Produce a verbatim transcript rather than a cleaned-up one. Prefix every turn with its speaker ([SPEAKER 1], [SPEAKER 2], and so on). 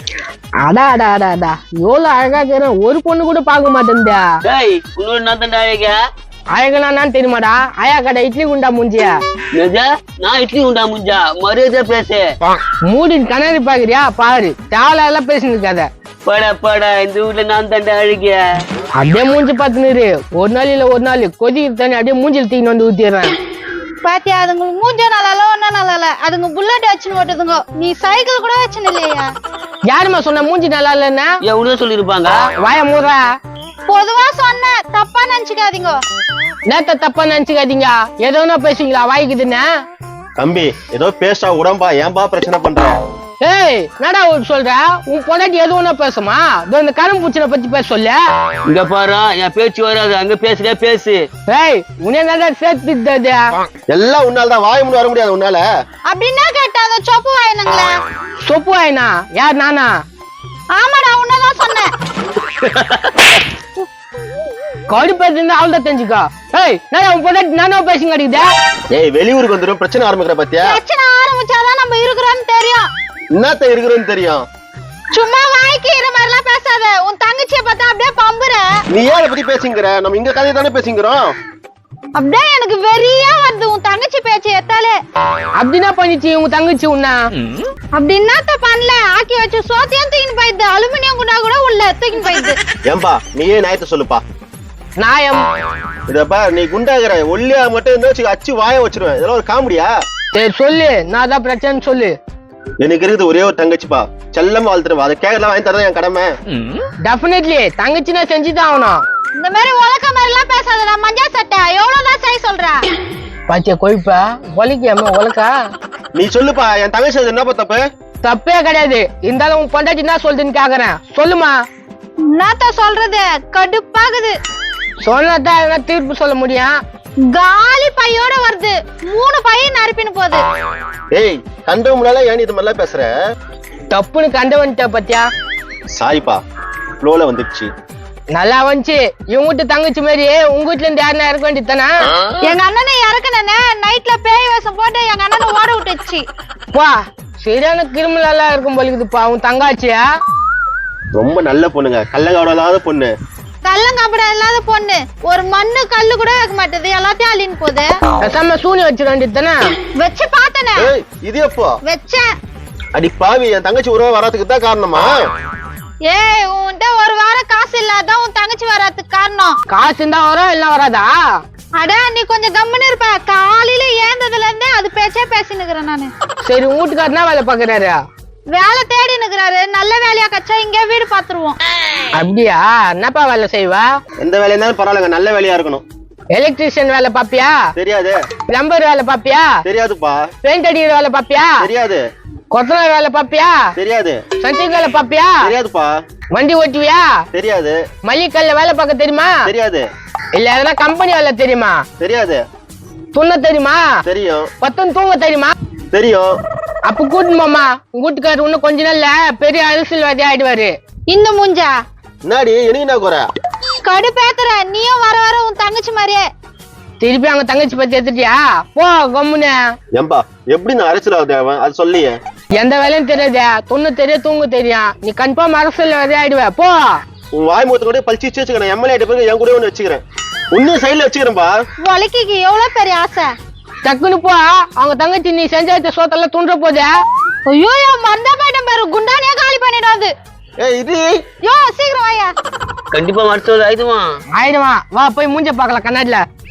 [SPEAKER 1] அடா அடா அடா அடா எவ்வளவு அழகா இருக்கிறேன், ஒரு பொண்ணு கூட பார்க்க மாட்டேன்டா.
[SPEAKER 2] டேய் உன்னோட நான் தான்டா அழகா.
[SPEAKER 1] அழகனா தெரியுமாடா? ஆயா கடை இட்லி குண்டா மூஞ்சியா.
[SPEAKER 2] நான் இட்லி உண்டா முஞ்சா மரியாதை பேசு.
[SPEAKER 1] மூடின் கண்ணாடி பாக்குறியா பாரு, தேவலா எல்லாம் பேசினு இருக்காத.
[SPEAKER 2] படா படா இந்த வீட்டுல நான் தாண்டா அழகிய.
[SPEAKER 1] அப்படியே மூஞ்சி பாத்துனுரு, ஒரு நாள் இல்ல ஒரு நாள் கொதிக்கிற தண்ணி அப்படியே மூஞ்சில் தீன்னு வந்து ஊத்திடுறேன்.
[SPEAKER 3] பாத்தியா, அதுங்களுக்கு மூஞ்ச நல்லா இல்ல ஒன்னா நல்லா இல்ல, அதுங்க புல்லட் வச்சுன்னு ஓட்டுதுங்க, நீ சைக்கிள் கூட வச்சுன்னு இல்லையா?
[SPEAKER 1] யாருமா சொன்ன மூஞ்சி நல்லா இல்லன்னா?
[SPEAKER 2] எவ்வளவு சொல்லிருப்பாங்க.
[SPEAKER 1] வாய மூடுறா.
[SPEAKER 3] பொதுவா சொன்ன, தப்பா நினைச்சுக்காதீங்க.
[SPEAKER 1] நேத்த தப்பா நினைச்சுக்காதீங்க, ஏதோ ஒண்ணா பேசுவீங்களா வாய்க்குதுன்னு?
[SPEAKER 4] தம்பி ஏதோ பேசா உடம்பா, ஏன்பா பிரச்சனை பண்ற?
[SPEAKER 1] ஏய் என்னடா சொல்ற? உன் பொண்டாட்டி எது ஒண்ணா பேசுமா? இந்த கரும் பூச்சினை பத்தி பேச சொல்ல.
[SPEAKER 2] இங்க பாரு என் பேச்சு வராது, அங்க பேசுறே பேசு.
[SPEAKER 1] ஏய் உன்ன என்னடா சேர்த்து
[SPEAKER 4] எல்லாம் உன்னாலதான், வாய முடி வர முடியாது உன்னால.
[SPEAKER 3] அப்படின்னா கேட்டா அந்த சொப்பு வாயினுங்களா?
[SPEAKER 1] சொப்பு வாயினா? யார் நானா?
[SPEAKER 3] ஆமாடா உன்னதான் சொன்னேன்.
[SPEAKER 1] கடு பேசுறது அவள்தான் தெரிஞ்சுக்கோ. ஏய் நான் உன் பொண்டாட்டி நானா பேசுங்க அடிக்குதா?
[SPEAKER 4] ஏய் வெளியூருக்கு வந்துடும் பிரச்சனை ஆரம்பிக்கிற பத்தியா?
[SPEAKER 3] பிரச்சனை ஆரம்பிச்சாதான் நம்ம இருக்கிறோம்னு தெரியும்.
[SPEAKER 4] என்னத்த இருக்கிறோன்னு தெரியும்.
[SPEAKER 3] சும்மா வாய்க்கு இரு மாதிரிலாம் பேசாத, உன் தங்கச்சியை பார்த்தா அப்படியே பம்புற.
[SPEAKER 4] நீ ஏன் பத்தி பேசிங்கிற? நம்ம இங்க கதையை தானே பேசிக்கிறோம்.
[SPEAKER 3] அப்படியே எனக்கு வெறியா வருது உன் தங்கச்சி பேச்சு எத்தாலே.
[SPEAKER 1] அப்படின்னா பண்ணிச்சு உங்க தங்கச்சி உன்னா?
[SPEAKER 3] அப்படி என்னத்த பண்ணல, ஆக்கி வச்சு சோத்தையும் தூக்கின்னு போயிடுது, அலுமினியம் குண்டா கூட உள்ள தூக்கின்னு போயிடுது.
[SPEAKER 4] ஏன்பா நீயே நியாயத்தை சொல்லுப்பா.
[SPEAKER 1] நாயம்
[SPEAKER 4] இதப்பா நீ குண்டாகிற ஒல்லியா மட்டும் இருந்தா அச்சு வாய வச்சிருவேன். இதெல்லாம் ஒரு காமெடியா?
[SPEAKER 1] சரி சொல்லு, நான் தான் பிரச்சனை சொல்லு.
[SPEAKER 4] எனக்கு இருக்குது ஒரே ஒரு தங்கச்சிப்பா, செல்லம் வாழ்த்துருவா, அதை கேட்கலாம் வாங்கி தரதான் என் கடமை.
[SPEAKER 1] டெஃபினெட்லி தங்கச்சி நான் செஞ்சுதான் ஆகணும்.
[SPEAKER 3] இந்த மாதிரி உலக்க மாதிரி எல்லாம் பேசாதடா மஞ்சா சட்டை, எவ்வளவுதான் செய்ய சொல்ற?
[SPEAKER 1] பாத்தியா கொய்ப்ப ஒலிக்காம உலக்கா.
[SPEAKER 4] நீ சொல்லுப்பா, என் தங்கச்சி என்னப்பா தப்பு?
[SPEAKER 1] தப்பே கிடையாது, இருந்தாலும் உன் பொண்டாட்டி என்ன சொல்றதுன்னு கேக்குறேன், சொல்லுமா.
[SPEAKER 3] என்னத்த சொல்றது, கடுப்பாகுது.
[SPEAKER 1] சொன்னதான் என்ன தீர்ப்பு சொல்ல முடியும்?
[SPEAKER 3] காலி பையோட வருது, மூணு பையன் நறுப்பின்னு போகுது.
[SPEAKER 4] ஏய் கண்ட முன்னால ஏன் இது மாதிரிலாம் பேசுற?
[SPEAKER 1] தப்புன்னு கண்டவன்ட்ட பத்தியா?
[SPEAKER 4] சாரிப்பா ஃப்ளோல வந்துடுச்சு.
[SPEAKER 1] நல்லா வந்துச்சு. இவங்க வீட்டு தங்கச்சி மாதிரி உங்க வீட்டுல இருந்து யாருன்னா இறக்க வேண்டியது தானே?
[SPEAKER 3] எங்க அண்ணனை இறக்குனே நைட்ல பேய் வேஷம் போட்டு எங்க அண்ணனை ஓட விட்டுச்சு.
[SPEAKER 1] பா சரியான கிரிமினல் எல்லாம் இருக்கும் போலிக்குதுப்பா உன் தங்காச்சியா.
[SPEAKER 4] ரொம்ப நல்ல பொண்ணுங்க, கள்ளங்கவடம் இல்லாத பொண்ணு.
[SPEAKER 3] கள்ளங்கபட இல்லாத பொண்ணு, ஒரு மண்ணு கல்லு கூட வைக்க மாட்டேது, எல்லாத்தையும் அள்ளின்னு போகுது.
[SPEAKER 1] பேசாம சூனி வச்சிட வேண்டியது தானே?
[SPEAKER 3] வச்சு பார்த்தனே.
[SPEAKER 4] ஏய் இது எப்போ
[SPEAKER 3] வச்சேன்.
[SPEAKER 4] அடி பாவி, என் தங்கச்சி உறவு வராதுக்கு தான் காரணமா?
[SPEAKER 3] ஏய் உன்கிட்ட ஒரு வாரம் காசு இல்லாதான் உன் தங்கச்சி வராதுக்கு காரணம்.
[SPEAKER 1] காசு இருந்தா வரும் இல்ல வராதா?
[SPEAKER 3] அட நீ கொஞ்சம் கம்முன்னு இருப்ப, காலையில ஏந்ததுல இருந்தே அது பேச்சே பேசினுக்கிறேன் நானு.
[SPEAKER 1] சரி வீட்டுக்காரனா வேலை பாக்குறாரு?
[SPEAKER 3] வேலை தேடி நிக்கிறாரு, நல்ல வேலையா கச்சா இங்க வீடு பாத்துருவோம்.
[SPEAKER 1] அப்படியா? என்னப்பா வேலை செய்வா?
[SPEAKER 4] எந்த வேலையா இருந்தாலும் பரவாயில்லைங்க, நல்ல வேலையா இருக்கணும்.
[SPEAKER 1] எலக்ட்ரிஷியன் வேலை பாப்பியா?
[SPEAKER 4] தெரியாது.
[SPEAKER 1] பிளம்பர் வேலை பாப்பியா?
[SPEAKER 4] தெரியாதுப்பா.
[SPEAKER 1] பெயிண்ட் அடிக்கிற வேலை பாப்பியா?
[SPEAKER 4] தெரியாது.
[SPEAKER 1] கொத்தனார் வேலை பாப்பியா?
[SPEAKER 4] தெரியாது.
[SPEAKER 1] சண்டிங் வேலை பாப்பியா?
[SPEAKER 4] தெரியாதுப்பா.
[SPEAKER 1] வண்டி ஓட்டுவியா?
[SPEAKER 4] தெரியாது.
[SPEAKER 1] மல்லிக்கல்ல வேலை பார்க்க தெரியுமா?
[SPEAKER 4] தெரியாது.
[SPEAKER 1] இல்ல எதனா கம்பெனி வேலை தெரியுமா?
[SPEAKER 4] தெரியாது.
[SPEAKER 1] துண்ண தெரியுமா?
[SPEAKER 4] தெரியும்.
[SPEAKER 1] பத்தம் தூங்க தெரியுமா?
[SPEAKER 4] தெரியும்.
[SPEAKER 1] அப்ப கூட்டு மாமா உங்க வீட்டுக்காரர் இன்னும் கொஞ்ச நாள்ல பெரிய அரசியல்வாதி ஆயிடுவாரு.
[SPEAKER 3] இந்த மூஞ்சா
[SPEAKER 4] என்னடி எனக்கு என்ன குறை?
[SPEAKER 3] கடுப்பேத்துற, நீயும் வர வர உன் தங்கச்சி மாதிரியே.
[SPEAKER 1] திருப்பி அவங்க தங்கச்சி பத்தி எடுத்துட்டியா? போ கம்முன்னு.
[SPEAKER 4] ஏம்பா எப்படி நான் அரசியல் தேவன் அது சொல்லியே.
[SPEAKER 1] எந்த வேலையும் தெரியாதே, துண்ணு தெரியும் தூங்க தெரியும், நீ கன்ஃபார்ம் அரசியல்வாதி ஆயிடுவ. போ.
[SPEAKER 4] உன் வாய் மூத்த கூட பழிச்சு வச்சுக்கிறேன், எம்எல்ஏ போய் என் கூட ஒண்ணு வச்சுக்கிறேன், உன்னையும் சைட்ல வச்சுக்கிறேன்பா.
[SPEAKER 3] வலிக்கு எவ்வளவு பெரிய ஆசை.
[SPEAKER 1] டக்குன்னு போ, அவங்க தங்கச்சி நீ செஞ்ச வச்ச சோத்தெல்லாம் துண்ட போதே.
[SPEAKER 3] ஐயோ மந்தா போயிட்ட பேரு, குண்டானே காலி பண்ணிடாது.
[SPEAKER 4] ஏய் இது
[SPEAKER 3] யோ சீக்கிரம் வாயா.
[SPEAKER 2] கண்டிப்பா மருத்துவ ஆயிடுவான்.
[SPEAKER 1] ஆயிடுவான், வா போய் மூஞ்ச பாக்கலாம் கண்ணாடில.